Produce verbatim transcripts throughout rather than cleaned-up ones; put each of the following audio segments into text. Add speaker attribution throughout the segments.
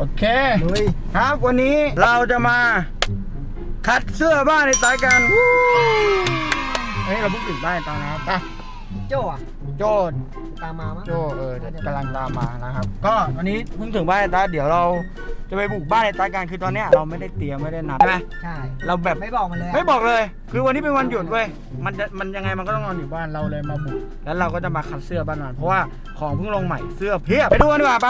Speaker 1: เคครับวันนี้เราจะมาคัดเสื้อบ้านในสายกันเฮ้ยเราเพิ่งถึงบ้านตอนนะครับอ่ะโจ้อะโจ้ตามมามั้งโจ้เออกำลังตามมานะครับก็วันนี้เพิ่งถึงบ้านในตาเดี๋ยวเราจะไปบุกบ้านในตากันคือตอนเนี้ยเราไม่ได้เตรียมไม่ได้นัดใช่ไหมใช่เราแบบไม่บอกมันเลยไม่บอกเลยคือวันนี้เป็นวันหยุดเว้ยมันจะมันยังไงมันก็ต้องนอนอยู่บ้านเราเลยมาบุกแล้วเราก็จะมาคัดเสื้อบ้านมันเพราะว่าของเพิ่งลงใหม่เสื้อเพียบไปดูกันดีกว่าปะ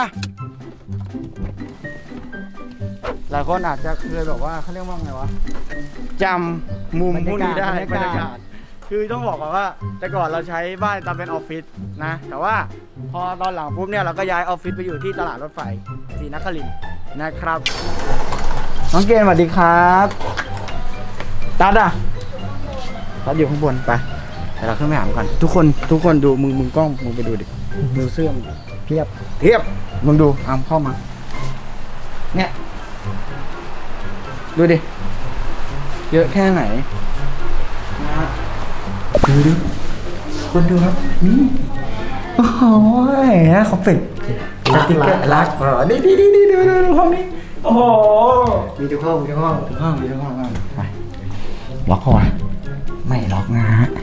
Speaker 1: หลายคนอาจจะเคยแบบว่าเขาเรียกว่าไงวะจำมุมพวกนี้ได้บรรยากาศคือต้องบอกก่อนว่าแต่ก่อนเราใช้บ้านตามเป็นออฟฟิศนะแต่ว่าพอตอนหลังปุ๊บเนี่ยเราก็ย้ายออฟฟิศไปอยู่ที่ตลาดรถไฟศรีนครินทร์นะครับน้องเกณฑ์สวัสดีครับตัดอ่ะตัดอยู่ข้างบนไปแต่เราขึ้นไปหาก่อนทุกคนทุกคนดูมึงมึงกล้องมึงไปดูดิดูเสื้อเทียบเทียบมึงดูอามเข้ามาเนี่ยดูดิเยอะแค่ไหนนะดูดิคนดูครับนี่โอ้โหนะเขาเป็ดรักรักรักอ๋อนี่นี่นี่ดูดูดูห้องนี้โอ้โหมีทุกห้องมีทุกห้องทุกห้องมีทุกห้องไปล็อกก่อนไม่ล็อกนะฮะ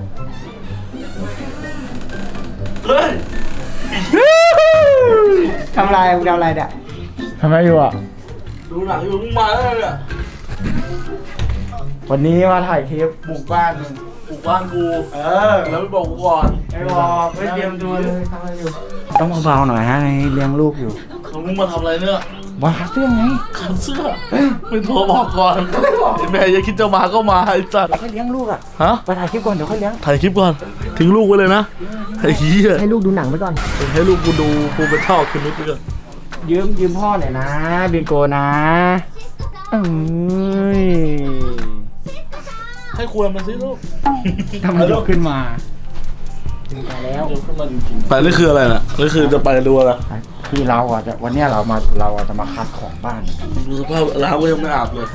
Speaker 1: เฮ้ยทำอะไรมึงทำอะไรเนี่ยทำอะไรอยู่อ่ะ
Speaker 2: ดูหนังอยู่มึงมาแล้วเนี่ย
Speaker 1: วันนี้มาถ่ายคลิปบุกบ้านมึง
Speaker 2: ปลูกบ้านกู
Speaker 1: เออ
Speaker 2: แล้วไม่บอกกูก่อน
Speaker 1: ไม่บอกไม่เตรียมตัวเลยทำอะไรอยู่ต้องเบาๆหน่อยฮะเลี้ยงลูกอยู่
Speaker 2: เขามึงมาทำอะไรเนี่ย
Speaker 1: มาคัดเสื้อไง
Speaker 2: คัดเสื้อไม่โทรบอกก่อนแม่อย่าคิดจะมาก็มาไอ้สัตว์
Speaker 1: ค่อยเลี้ยงลูกอ่ะ
Speaker 2: ฮะ
Speaker 1: ไปถ่ายคลิปก่อนเดี๋ยวค่อยเลี้ยง
Speaker 2: ถ่ายคลิปก่อนทิ้งลูกไว้เลยนะไอ้เหี้ย
Speaker 1: ให้ลูกดูหนังไปก่อน
Speaker 2: ให้ลูกกูดูกูไปชอบคืนนี้ไปก่อน
Speaker 1: ยืมยืมพ่อหน่อยนะบินโกนะเอ้ย
Speaker 2: ให้ควรมันสิลูก
Speaker 1: ทำไมลูกขึ้นมาถึงไปแล้ว
Speaker 2: ขึ้นมาจริงๆไปนี่คืออะไรน่ะนี่คือจะไปดูอะไร
Speaker 1: คือเราอ่ะจะวันนี้เรามาเราจะมาคัดของบ้าน
Speaker 2: สภาพร้านก็ยังไม่อาบเลย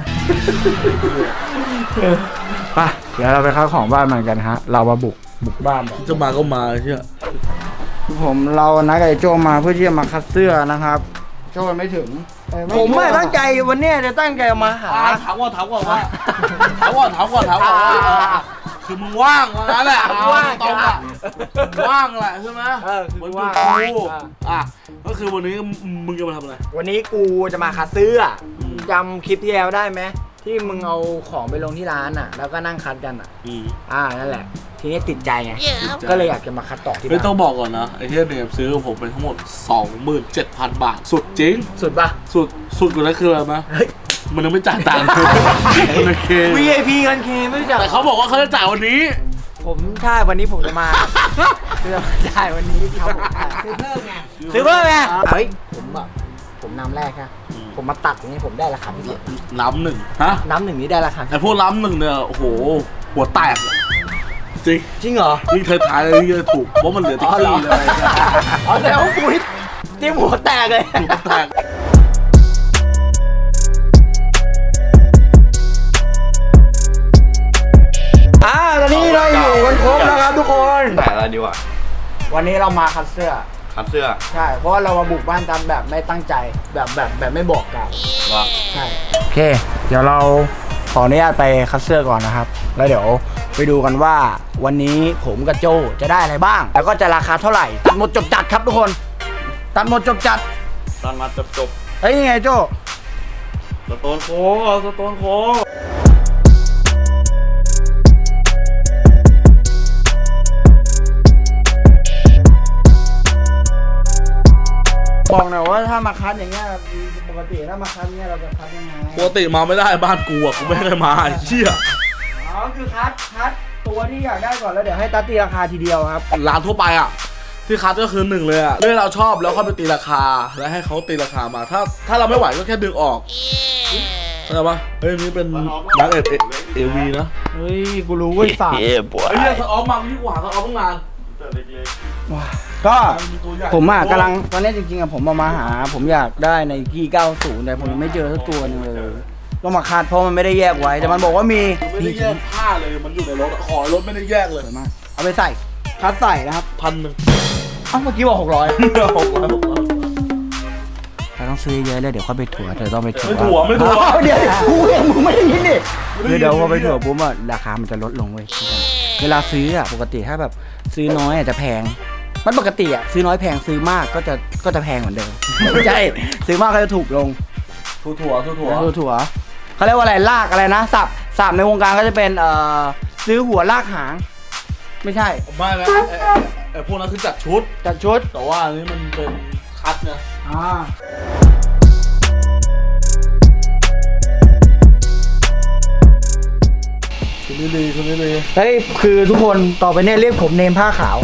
Speaker 1: ไปเดี๋ยวเราไปคัดของบ้านมันกันฮะเรามาบุกบุกบ้าน
Speaker 2: จะมาก็มาเชื่อ
Speaker 1: ผมเรานัดกับโจมาเพื่อที่จะมาคัดเสื้อนะครับโจไม่ถึงผมไม่ตั้งใจวันนี้จะตั้งใจมาหา
Speaker 2: ถามก่อนถามก่อนว่าถามก่อนถามก่อนถามก่อนคือมึงว่างว่างั้นแหละว่างตรงอ่ะว่างแหละใช่ไหม
Speaker 1: เออคือว่าง
Speaker 2: กูอ่ะก็คือวันนี้มึงจะมาทำอะไร
Speaker 1: วันนี้กูจะมาคัดเสื้อจำคลิปที่แล้วได้ไหมที่มึงเอาของไปลงที่ร้านอ่ะแล้วก็นั่งคัดกันอ่ะอ่านั่นแหละทีนี้ติดใจไงก็เลยอยากจะมาคัดต่อที่บ้าน
Speaker 2: ไม่ต้องบอกก่อนนะไอ้เหี้ยเนี่ยซื้อผมไปทั้งหมด สองหมื่นเจ็ดพัน บาทสุดจริง
Speaker 1: สุดปะ
Speaker 2: สุดสุดกว่านั้นคืออะไรมั้ยมันยังไม่จ่ายตังค์มันโอเค
Speaker 1: วี ไอ พี กันเคไม่จ่าย
Speaker 2: แต่เขาบอกว่าเขาจะจ่ายวันนี้
Speaker 1: ผมใช่วันนี้ผมจะมาซื้อจ่ายวันนี้ครับซื้อเพิ่มไงซื้อเพิ่มไงเฮ้ยผมแบบผมน้ำแรกครับผมมาตัดอย่างนี้ผมได้ราคาพิเศษ
Speaker 2: น้ำหนึ่งฮะ
Speaker 1: น้ำหนึ่งนี้ได้ราคา
Speaker 2: ไอ้พวกน้ำหนึ่งเนี่ยโอ้โหหัวแตกจริง
Speaker 1: จริงเหรอ
Speaker 2: นี่เธอถ่ายเลยนี่ถูกเพราะมันเหลือติ๊กซี่เลย
Speaker 1: อ๋อแต่ว่ากูนี่เตรียมหัวแตกเลย
Speaker 2: หัวแตก
Speaker 1: อ่าตอนนี้เราอยู่กันครบแล้วครับทุกคน
Speaker 3: แต่อะไรดีวะ
Speaker 1: วันนี้เรามาคัดเสื้อ
Speaker 3: คัดเสื้อ
Speaker 1: ใช่เพราะว่าเรามาบุกบ้านตามแบบไม่ตั้งใจแบบแบบแบบไม่บอกกัน
Speaker 3: ว่า
Speaker 1: ใช่โอเคเดี๋ยวเราขออนุญาตไปคัดเสื้อก่อนนะครับแล้วเดี๋ยวไปดูกันว่าวันนี้ผมกับโจจะได้อะไรบ้างแล้วก็จะราคาเท่าไหร่ตัดหมดจบจัดครับทุกคนตัดหมดจบจัด
Speaker 3: ตัดมาจบจบ
Speaker 1: เฮ้ยยังไงโจ
Speaker 3: สโตนโค้เอาสโตนโค้
Speaker 1: บอกหน่อยว่าถ้ามาคัดอย่างเงี้ยปกติถ้ามาคัดเงี้ยเราจะคัดยังไง
Speaker 2: ปกติมาไม่ได้บ้านกูอ่ะกูไม่ได้มาเชี่ย
Speaker 1: อ๋อคือคัดคัดตัวที่อยากได้ก่อนแล้วเดี๋ยวให้ตัดตีราคาทีเดียวครับ
Speaker 2: ร้านทั่วไปอ่ะที่คัดก็คือหนึ่งเลยอ่ะเรื่องเราชอบแล้วค่อยไปตีราคาแล้วให้เขาตีราคามาถ้าถ้าเราไม่ไหวก็แค่ดึงออกเข้าใจปะเฮ้ยนี่เป็นนักเอเอวีนะ
Speaker 1: เฮ้ยกูรู้ว่าฝาก
Speaker 2: ไอ้เรื่องสออฟมาที่กว่าสออฟตั้งนาน
Speaker 1: ว้าก็ผมอ่ะกำลังตอนนี้จริงๆอ่ะผมมามาหาผมอยากได้ในที่เก้าสิบแต่ผมยังไม่เจอสักตัวนึงเลยก็มาคัดเพราะมันไม่ได้แยกไว้แต่มันบอกว่ามี
Speaker 2: ไม่ได้แยกผ้าเลยมันอยู่ในรถขอรถไม่ได้แยกเลย
Speaker 1: มาเอาไปใส่คัดใส่นะครับ
Speaker 2: พันหนึ่ง
Speaker 1: อ้าวเมื่อกี้บอกหกร้อย
Speaker 2: หกร้อยหกร้อย
Speaker 1: คต้องซื้อเยอะเลยเดี๋ยวเขาไปถั่วเธอต้องไปถั่ว
Speaker 2: ไม่ถั่วไม่ถั่ว
Speaker 1: อ้าวเดี๋ยวกูเองมึงไม่ได้ยินดิคือเดี๋ยวพอไปถั่วปุ๊บอะราคามันจะลดลงเว้ยเวลาซื้ออะปกติถ้าแบบซื้อน้อยอาจจะแพงมันปกติอะซื้อน้อยแพงซื้อมากก็จะก็จะแพงเหมือนเดิมไม่ใช่ซื้อมากก็จะถูกลง
Speaker 2: ถั่วถั่วถั่วถั่ว
Speaker 1: ถั่วถั่วเขาเรียกว่าอะไรลากอะไรนะสับสับในวงการก็จะเป็นเอ่อซื้อหัวลากหาง ไม่ใช่
Speaker 2: ไม่นะไอ้ไอ้ไอ้พวกนั้นคือจัดชุด
Speaker 1: จัดชุด
Speaker 2: แต่ว่าอันนี้มันเป็นคัดนะ
Speaker 1: อ่า
Speaker 2: ชุดนี้ดีชุดนี้ดี
Speaker 1: เฮ้ยคือทุกคนต่อไปเนี่ยเรียกผมเนมผ้าขาว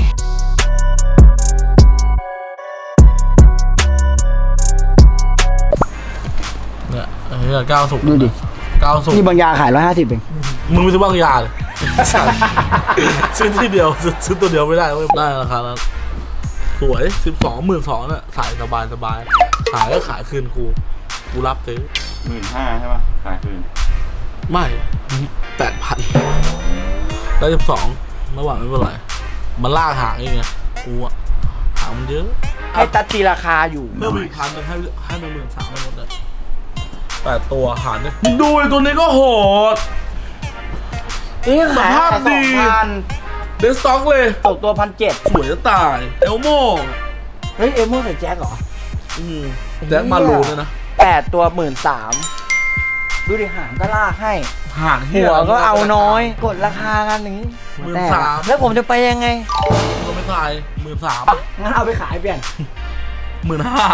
Speaker 2: เนี่ยไอ้เหี้ยก้าวสุก
Speaker 1: ดูดิ
Speaker 2: ก้าวสุก
Speaker 1: นี่บางยาขายร้อยห้าสิบเอง
Speaker 2: มึงไม่ซื้อบางยาเลย ซื้อที่เดียวซื้อซื้อตัวเดียวไม่ได้เว้ยได้ราคานั้นสวยสิบสองหมื่นสองเนี่ยใส่สบายสบายขายก็ขายคืนกูกูรับซื้อ
Speaker 3: หมื่นห้าใช่ป่ะขายคืน
Speaker 2: ไม่แปดพันได้สิบสองระหว่างไม่เป็นไรมันลากหางเองไงกูอะหางมันเยอะ
Speaker 1: ให้ตัดตีราคาอยู่
Speaker 2: เพิ่มอีกพันหนึงให้ให้มันหมื่นสามหมดเลยแปดตัวหารเนี่ยมึงดูไอ้ตัวนี้ก็โหด
Speaker 1: นี่ขาย
Speaker 2: สภาพดี
Speaker 1: สองพัน
Speaker 2: เดสต็อกเลย
Speaker 1: ตกตัวพันเจ็ด
Speaker 2: สวยจะตายเอลโม่
Speaker 1: เฮ้ยเอมโม่ใส่แจ็คเหรอ
Speaker 2: อืมแจ็คมารูเนี่ยนะ
Speaker 1: แปดตัวหมื่นสามดูดิหางก็ลากให้
Speaker 2: หาง
Speaker 1: หัวก็เอาน้อย กดราคากันอย่างนี้
Speaker 2: หมื่น
Speaker 1: แต่
Speaker 2: สาม
Speaker 1: แล้วผมจะไปยังไง
Speaker 2: ก็ไม่ตายหมื่นสาม
Speaker 1: งั้นเอาไปขายเปลี่ยน
Speaker 2: หมื่นห้า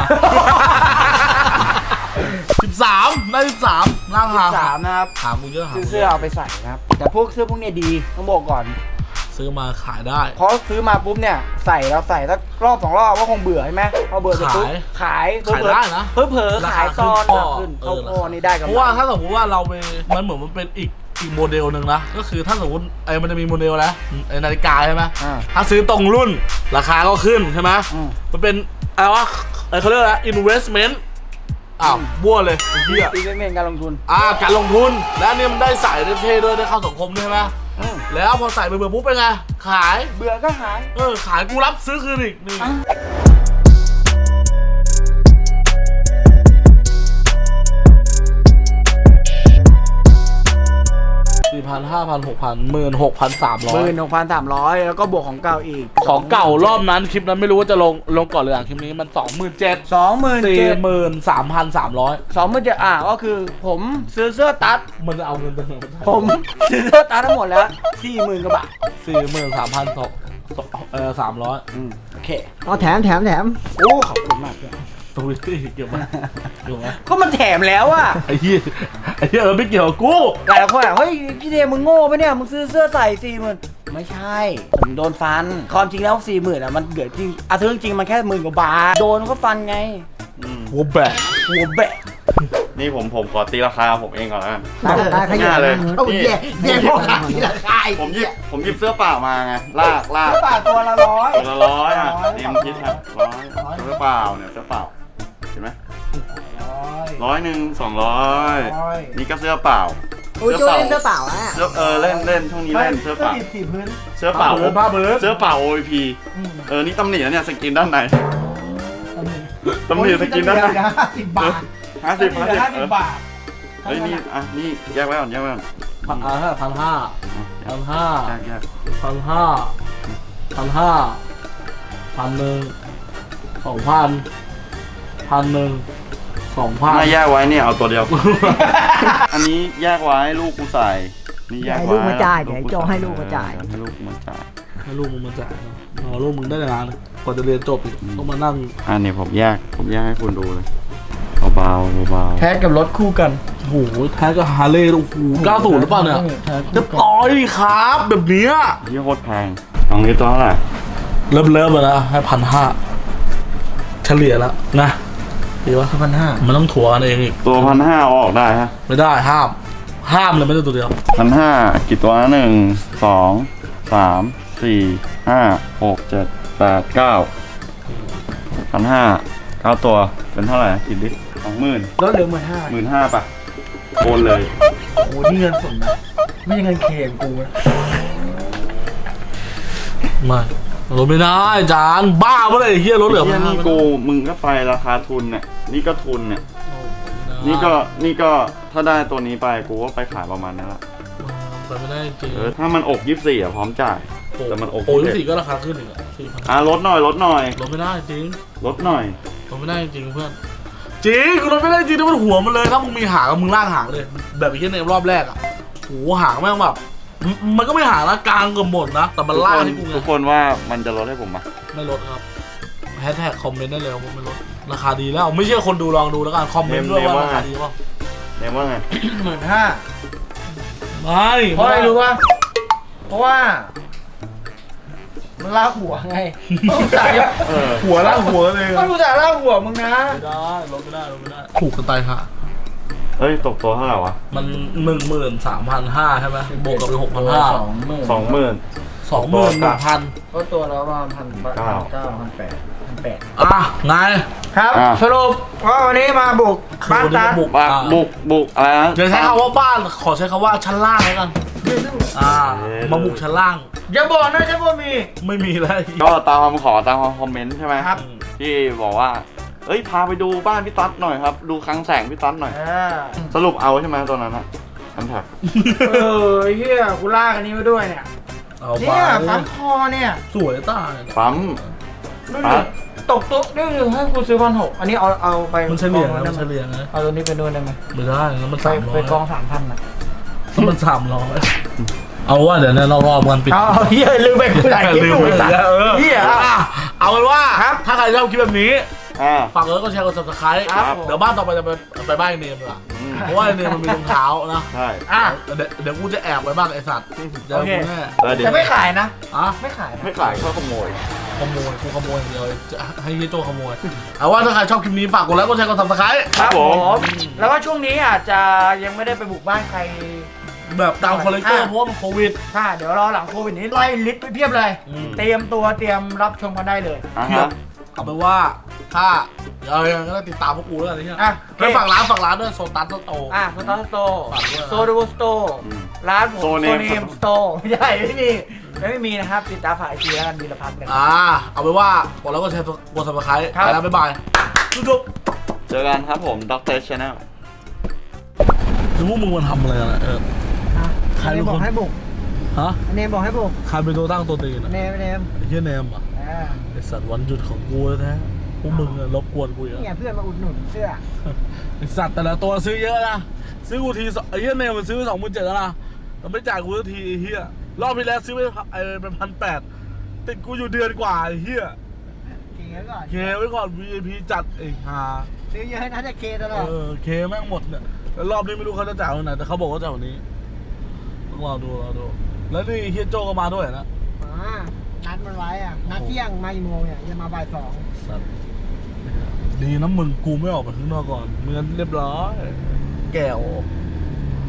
Speaker 2: สิบสามได้สิบสามร่างหาง
Speaker 1: สามนะครับ
Speaker 2: หางกูเยอะหาง
Speaker 1: ซื้อ
Speaker 2: กู
Speaker 1: เสื้อเอาไปใส่นะครับ แต่พวกเสื้อพวกเนี้ยดีต้องบอกก่อน
Speaker 2: ซื้อมาขายได้
Speaker 1: เพราะซื้อมาปุ๊บเนี่ยใส่เราใส่สักรอบสองรอบก็คงเบื่อใช่ไหมพอเบื่อเสร็จปุ๊บขาย
Speaker 2: ขายได้นะ
Speaker 1: เพิ่เผลอๆขายตอน
Speaker 2: ราคา
Speaker 1: ขึ้น
Speaker 2: ขึ้
Speaker 1: เข้าน
Speaker 2: เออ
Speaker 1: โคนี่ได้กัน
Speaker 2: เพราะว่าถ้าสมมติว่าเราไปมันเหมือนมันเป็นอีกอีกโมเดลหนึ่งนะก็คือถ้าสมมติไอ้มันจะมีโมเดลแล้วไอ้นาฬิกาใช่ไหม
Speaker 1: อ่า
Speaker 2: ถ้าซื้อตรงรุ่นราคาก็ขึ้นใช่ไหม
Speaker 1: อืม
Speaker 2: มันเป็นอะไรวะไอ้เขาเรียกอะไร investment อ้าวบ้วเลยไอ้เหี้ย
Speaker 1: อีเวนต์การลงทุน
Speaker 2: อ่าการลงทุนและอันนี่มันได้ใส่ได้เท่ด้วยได้เข้าสังคมด้วยใช่ไหม
Speaker 1: อืม
Speaker 2: แล้วพอใส่ไปเบื่อปุ๊บเป็นไงขาย
Speaker 1: เบื่อก็หาย
Speaker 2: เออขายกูรับซื้อคืนอีกนี่
Speaker 1: อ่ะ
Speaker 2: สี่พันห้าพันหกพันหมื่นหกพันสามร้อ
Speaker 1: ห
Speaker 2: ย
Speaker 1: มื่นหกพันสามร้อยแล้วก็บวกของเก่าอีก
Speaker 2: ของเก่ารอบนั้นคลิปนั้นไม่รู้ว่าจะลงลงก่อนหรือหลังคลิปนี้มันสองหมื่นเจ็ด
Speaker 1: สองหมื่น
Speaker 2: สี่
Speaker 1: เจ็ด
Speaker 2: หมื่นสามพันสามร้อย
Speaker 1: สองหมื่นเจ็ดอ่ะก็คือผมซื้อเสื้อตัด
Speaker 2: มันจะเอาเงินไปไหนมัน
Speaker 1: ผมซื้อเสื้อตัดทั้งหมดแล้วสี่หมื่นกว่าบาท
Speaker 2: สี่หมื่นสามพันสองเออสามร้อย
Speaker 1: อืมโอเค
Speaker 4: เอาแถมแถมแถม
Speaker 1: โอ้ขอบคุณมากเลย
Speaker 2: ตรงนี้เกี่ยวไหมเกี่ยวไหม
Speaker 1: ก็มันแถมแล้วอะ
Speaker 2: ไอ้เหี้ยไอ้เหี้ยเออไม่เกี่ยวกับกู
Speaker 1: หลายคนอะเฮ้ยพี่เดมึงโง่ปะเนี่ยมึงซื้อเสื้อใส่สี่หมื่นไม่ใช่ ผมโดนฟันความจริงแล้วสี่หมื่นอะมันเดือดจริงอ่ะซื้อจริงๆมันแค่หมื่นกว่าบาทโดนก็ฟันไง
Speaker 3: อืม
Speaker 2: หัวแบก
Speaker 1: หัวแบะ
Speaker 3: นี่ผมผมขอตีราคาผมเองก่อนแล้วกัน
Speaker 4: ได้ได้ขยัน
Speaker 3: ง่ายเลย
Speaker 4: เอา
Speaker 3: นี่
Speaker 4: แย่แย่พวกขาทีละคาย
Speaker 3: ผมหยิบผมหยิบเสื้อเปล่ามาไงลากลาก
Speaker 1: เสื้อบาทตัวละร้อย
Speaker 3: ตัวละร้อยอ่ะ
Speaker 1: ร้อย
Speaker 3: เตรียมคิดครับร้อยเสื้อเปล่าเนี่ยเสื้อเปล่าเห็นไหม
Speaker 1: ร้อย
Speaker 3: ร้อยหนึ่งสองร้อย
Speaker 1: ร้อย
Speaker 3: นี่ก็เสื้อเปล่า
Speaker 4: อุ้ยโจ้เล่นเสื้อเปล่าอ่ะ
Speaker 3: เสื้อเออเล่นเล่นช่วงนี้เล่นเสื้อเปล่า
Speaker 1: ดิบสี่พื้น
Speaker 3: เสื้อเปล่า
Speaker 2: บ้าเบิร์ด
Speaker 3: เสื้อเปล่า โอ พี เออนี่ตำหนิแล้วเนี่ยสกินด้านในตำหนิสกินด้านใน
Speaker 1: สิบบาท
Speaker 3: ห้าสิบห้าสิบ
Speaker 1: ห้า
Speaker 3: เอ
Speaker 1: สิ
Speaker 3: อ
Speaker 1: บบาท
Speaker 3: เฮ้ยนี่อ่ะนี่แยกไว้ก่อนแยกไว้ก่อน
Speaker 2: พันห้าพันห้าพันห้า
Speaker 3: แยกแยก
Speaker 2: พันห้าพันห้าพันหนึ่งสองพันพันหนึ่งสองพัน
Speaker 3: ถ้าแยกไว้เนี่ยเอาตัวเดียว อันนี้แยกไว้ลูกกูใส่ นี่แยก
Speaker 4: ให้
Speaker 3: ไว้
Speaker 4: ลูกมาจ่ายเดี๋ยวให้โจ้ให้ลูกมาจ่าย
Speaker 3: ให้ลูกมาจ่าย
Speaker 2: ให้ลูกมึงมาจ่ายเนอะรอลูกมึงได้งานเลยกว่าจะเรียนจบอีกต้องมานั่ง
Speaker 3: อันนี้ผมแยกผมแยกให้คุณดูเลยเบาๆเบา
Speaker 1: แท็กกับรถคู่กัน
Speaker 2: โอ้โหแท้ก็ฮาร์เลย์โอ้โหเก้าสูหรือเปล่าเนี่ยจะต่อยดิครับแบบเนี้ย
Speaker 3: ๆที่โคตรแพงตรงนี้ตัวเท่าไหร่
Speaker 2: เริ่มเริ่มแล้วนะให้พันห้าเฉลี่ยแล้วนะดีวะ
Speaker 1: พันห้า
Speaker 2: มันต้องถัวกันเองอีก
Speaker 3: ตัวพันห้าออกได้ฮะ
Speaker 2: ไม่ได้ห้าม ห้ามเลยไม่ได้ตัวเดียว
Speaker 3: พันห้ากี่ตัวนะหนึ่งสองสามสี่ห้าหกเจ็ดแปดเก้าพันห้าเก้าตัวเป็นเท่าไหร่กี่ลิตรสองหมื่น
Speaker 1: รถเหลือหมื่นห้า
Speaker 3: หมื่นห้าป่ะโอนเลย
Speaker 1: โอ้โหนี่เงินสดนะไม่ใช่เงินเคมกูนะ
Speaker 2: ไม่รถไม่ได้จานบ้าเมื่อไหร่เฮียรถเหลือ
Speaker 3: เฮี
Speaker 2: พั
Speaker 3: ย
Speaker 2: น
Speaker 3: นี่กูมึงก็ไปราคาทุนเนี่ยนี่ก็ทุนเนี่ยนี่ก็นี่ก็ถ้าได้ตัวนี้ไปกูก็ไปขายประมาณนั้นละ
Speaker 2: ไปไม่ได้จริง
Speaker 3: เออถ้ามันอกยี่สิบสี่อ่ะพร้อมจ่ายแต่มันอก
Speaker 2: โอ้ย
Speaker 3: ยี่สิบ
Speaker 2: สี่ก็ราคาขึ้นอีกอ่ะสี่พัน
Speaker 3: อ่ะลดหน่อยลดหน่อย
Speaker 2: รถไม่ได้จริง
Speaker 3: ลดหน่อย
Speaker 2: รถไม่ได้จริงเพื่อนจริงกูรถไม่ได้จริงถ้ามันหัวมันเลยถ้ามึงมีหางมึงลากหางเลย แบบไอ้เหี้ยในรอบแรกอ่ะโหหางแม่งแบบมันก็ไม่หางนะกลางเกือบหมดนะแต่มันลากให้กูไง
Speaker 3: ทุกคนว่ามันจะลดให้ผมไหม
Speaker 2: ไม่ลดครับแฮชแท็กคอมเมนต์ได้เลยว่าไม่ลดราคาดีแล้วไม่เชื่อคนดูลองดูแล้วกันคอมเมนต์ด้วยว่าราคาดีป่ะ
Speaker 3: เนมว่าไง
Speaker 1: หมื่นห้า
Speaker 2: ไม่
Speaker 1: เพราะอะไรรู้ป่ะเพราะว่ามันลากหัวไงต้องจ่าย
Speaker 3: เออ
Speaker 2: หัวลากหัวเลย
Speaker 1: ก็รู้จักลากหัวมึงนะ
Speaker 2: ไม่ได้ลดไม่ได้ลดไม่ได้ถูกกันตายค่ะ
Speaker 3: เฮ้ยตกตัวเท่าไหร่วะ
Speaker 2: มันหนึ่งหมื่นสามพันห้าใช่ไหมบวกกับไปหกพันห้า
Speaker 1: สองหมื่น
Speaker 3: สองหมื่น
Speaker 2: สองหมื่นหนึ่งพัน
Speaker 1: ก็ตัวละประมาณพัน
Speaker 3: เก้า
Speaker 1: เก้าพันแปดพันแปด
Speaker 2: อ่ะไง
Speaker 1: ครับ
Speaker 3: อ่ะ
Speaker 1: สรุปว่าวันนี้มาบุกบ้านตัด
Speaker 2: บุก
Speaker 3: บ้าบุกบุกอะไรนะ
Speaker 2: อย่าใช้คำว่าบ้านขอใช้คำว่าชั้นล่างแล้วกันอ่ามาบุกชั้นล่าง
Speaker 1: อย่าบอกนะจะบ่มี
Speaker 2: ไม่มีแล้ว
Speaker 3: ก็ตามคำขอตามคอมเมนต์ใช่ไหม
Speaker 1: ครับ
Speaker 3: ที่บอกว่าเอ้ยพาไปดูบ้านพี่ตั๊ดหน่อยครับ ดูคลังแสงพี่ตั๊ดหน่อย
Speaker 1: เออ
Speaker 3: สรุปเอาใช่ไหมตัวนั้นอะอันแท็ก
Speaker 1: เออเฮียกูลากอันนี้มาด้วยเนี่ย
Speaker 2: เอาไป
Speaker 1: เนี่ยปั๊มคอเนี่ย
Speaker 2: สวยตาย
Speaker 3: ปั๊ม
Speaker 1: ดู
Speaker 3: ปั๊
Speaker 1: ดิ
Speaker 3: ม
Speaker 1: ตกตุ๊กนี่ให้กูซื้อพันหกอันนี้เอาเอาไป
Speaker 2: มันเฉลี่ย
Speaker 1: กอง
Speaker 2: นะ
Speaker 1: ได้
Speaker 2: มัน
Speaker 1: ไหม
Speaker 2: เฉลี่ยนะ
Speaker 1: เอาตัวนี้ไปด้วยได้ไหม
Speaker 2: ไม่ได้แล้วมัน
Speaker 1: ไป
Speaker 2: สามร้อ
Speaker 1: ไป
Speaker 2: ย
Speaker 1: กองสามพันนะ
Speaker 2: แล้วมันสามร้อยเอาว่าเดี๋ยวเนี่ยเรารอบกันปิด
Speaker 1: เอาเอาเฮียลืมไปกูถ่ายคลิป
Speaker 2: ลื
Speaker 1: อ
Speaker 2: ม
Speaker 1: ยู่
Speaker 2: ไป
Speaker 1: ไอ้สัตว์
Speaker 2: แล้วเออ
Speaker 1: เฮีย
Speaker 2: อ่ะเอาเป็นว่า
Speaker 1: ครับ
Speaker 2: ถ้าใครชอบคลิปแบบนี้
Speaker 3: อ่า
Speaker 2: ฝากกดไลค์กดแชร์กด ซับสไครบ์
Speaker 1: ครับ
Speaker 2: เดี๋ยวบ้านต่อไปจะไปไปบ้านไอ้เนมดีกว่า
Speaker 3: อืม
Speaker 2: เพราะว่าไอ้เนมมันมีรองเท้านะ
Speaker 3: ใช่
Speaker 1: อ่ะ
Speaker 2: เดี๋ยวเดี๋ยวกูจะแอบไว้บ้างไอ้สัตว์เจอ
Speaker 1: โอเค
Speaker 2: กูแน่
Speaker 3: แล้วเดี๋ยว
Speaker 1: แต่ไม่ขายนะ
Speaker 2: อ่ะ
Speaker 1: ไม่ขายนะ
Speaker 3: ไม่ขายก็ขโมย
Speaker 2: ขโมยกูขโมยอย่างเดียวจะให้เฮียโจขโมยเอาว่าถ้าใครชอบคลิปนี้ฝากกดไลค์กดแชร์กด ซับสไครบ์
Speaker 3: ครับผม
Speaker 1: แล้วก็ช่วงนี้อาจจะยังไม่ได้ไปบุกบ้านใคร
Speaker 2: แบบตามคอลเลกเตอร์เพราะว่ามันโควิด
Speaker 1: ค่ะเดี๋ยวรอหลังโควิดนี้ไล่ลิสต์ไปเพียบเลย
Speaker 2: อืม
Speaker 1: เตรียมตัวเตรียมรับชมกันได้เลย
Speaker 3: อ่า
Speaker 2: เพีย
Speaker 3: ฮะ
Speaker 2: บเอาเป็นว่าถ้าเอาอย่างนั้นก็ได้ติดตามพวกกูแล้วกันนี่
Speaker 1: อ่ะ
Speaker 2: ไปฝากร้านฝากร้านด้วยโซตัสโต
Speaker 1: อ่ะโซตัสโต
Speaker 2: ฝากด้วยนะ
Speaker 1: โซดูสโต
Speaker 3: อืม
Speaker 1: ร้านผม
Speaker 3: โซ
Speaker 1: โซ
Speaker 3: เนม
Speaker 1: เนมสโตไม่ใช่ไม่มีไม่มีนะครับ ติดตามฝ่ายทีแล้วกันดีละพันกัน
Speaker 2: อ่าเอาเป็นว่าบอกแล้วก็แชร์กด ซับสไครบ์
Speaker 1: ครับ
Speaker 2: ไปแล้วบ๊ายบายจุ๊บ
Speaker 3: เจอกันครับผมด็อกเตอร์ชาแนล
Speaker 2: ๆคือพวกมึงมันทำอะไรกันอะเออ ใคร
Speaker 4: เน
Speaker 2: เป็
Speaker 4: ม
Speaker 2: นคน
Speaker 4: บอกให้บุก
Speaker 2: ฮะ
Speaker 4: เนมบอกให้บุก
Speaker 2: ใครเป็นตัวตั้งตัวตีนอะ
Speaker 4: เนมเนม
Speaker 2: ไอ้เฮียเนมอ่ะ
Speaker 4: อ่า
Speaker 2: ไอสัตว์วันหยุดของกูแท้ๆพวกมึงอะรบกวนกูอีก
Speaker 4: นี่ไง
Speaker 2: อะ
Speaker 4: เพื่อนมาอุดหนุนเสื้อ
Speaker 2: ไอสัตว์แต่ละตัวซื้อเยอะนะซื้อกูทีสองไอ้เฮียเนมมันซื้อไปสองหมื่นเจ็ดแล้วนะแต่ไม่จ่ายกูสักทีไอ้เฮียรอบที่แล้วซื้อไปไอ้เป็นพันแปดติดกูอยู่เดือนกว่าไอ้เฮีย
Speaker 4: เคก่อน
Speaker 2: เคไว้ก่อน วี ไอ พี จัดไอ้ห่า
Speaker 4: ซื้อเยอะนะจะเคตลอด
Speaker 2: เออเคแม่งหมดเนี่ยแล้วรอบนี้ไม่รู้เขาจะจ่ายวันไหนแต่เขาบอกว่าจ่ายวันนี้ต้องรอดูรอดูแล้วนี่เฮียโจก็มาด้วยนะ
Speaker 4: อ่านัดมันไว้อ่ะ นัดเที่ยงมากี่โมงเนี่ยจะมาบ่ายสอง
Speaker 2: สัตว์ดีนะมึงกูไม่ออกไปข้างนอกก่อนไม่งั้นเรียบร้อยแก้ว